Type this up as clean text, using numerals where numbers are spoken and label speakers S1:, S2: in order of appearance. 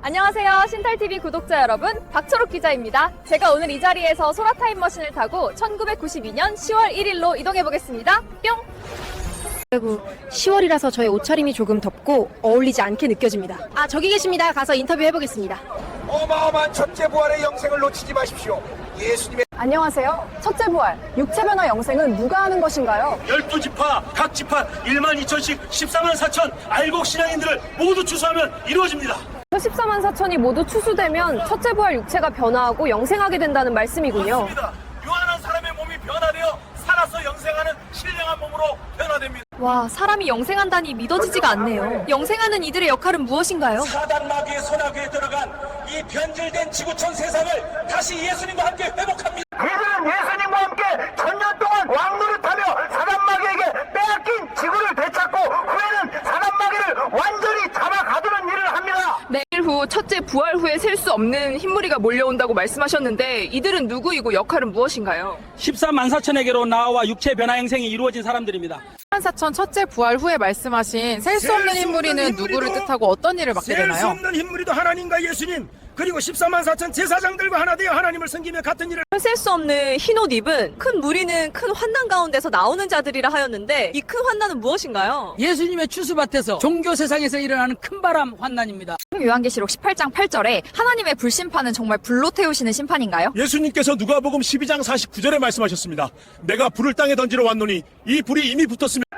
S1: 안녕하세요. 신탈TV 구독자 여러분, 박초록 기자입니다. 제가 오늘 이 자리에서 소라 타임머신을 타고 1992년 10월 1일로 이동해보겠습니다. 뿅!
S2: 아이고, 10월이라서 저의 옷차림이 조금 덥고 어울리지 않게 느껴집니다. 아, 저기 계십니다. 가서 인터뷰 해보겠습니다.
S3: 어마어마한 첫째 부활의 영생을 놓치지 마십시오. 예수님의
S4: 안녕하세요. 첫째 부활, 육체 변화 영생은 누가 하는 것인가요?
S5: 12지파, 각 지파 1만 2천씩 14만 4천 알곡 신앙인들을 모두 추수하면 이루어집니다.
S1: 14만 4천이 모두 추수되면 첫째 부활 육체가 변화하고 영생하게 된다는 말씀이군요.
S5: 맞습니다. 요한한 사람의 몸이 변화되어 살아서 영생하는 신령한 몸으로 변화됩니다.
S1: 와, 사람이 영생한다니 믿어지지가 않네요. 영생하는 이들의 역할은 무엇인가요?
S5: 사단 마귀의 소나기에 들어간 이 변질된 지구촌 세상을 다시 예수님과 함께 회복합니다.
S3: 그들은 예수님과 함께 천년 동안 왕노릇하며 사단마귀에게 빼앗긴 지구를 되찾고 후에는 사단마귀를 완전히 잡아가두는 일을 합니다.
S6: 내일 후 첫째 부활 후에 셀 수 없는 흰무리가 몰려온다고 말씀하셨는데 이들은 누구이고 역할은 무엇인가요?
S7: 14만 4천에게로 나와 육체 변화 행생이 이루어진 사람들입니다.
S8: 14,000 첫째 부활 후에 말씀하신 셀 수 없는 흰무리는 누구를 뜻하고 어떤 일을 맡게
S5: 셀 수
S8: 되나요?
S5: 없는 흰무리도 하나님과 예수님 그리고 14만 4천 제사장들과 하나 되어 하나님을 섬기며 같은 일을
S1: 셀 수 없는 흰옷 입은 큰 무리는 큰 환난 가운데서 나오는 자들이라 하였는데 이 큰 환난은 무엇인가요?
S7: 예수님의 추수밭에서 종교 세상에서 일어나는 큰바람 환난입니다.
S1: 요한계시록 18장 8절에 하나님의 불심판은 정말 불로 태우시는 심판인가요?
S5: 예수님께서 누가복음 12장 49절에 말씀하셨습니다. 내가 불을 땅에 던지러 왔노니 이 불이 이미 붙었으며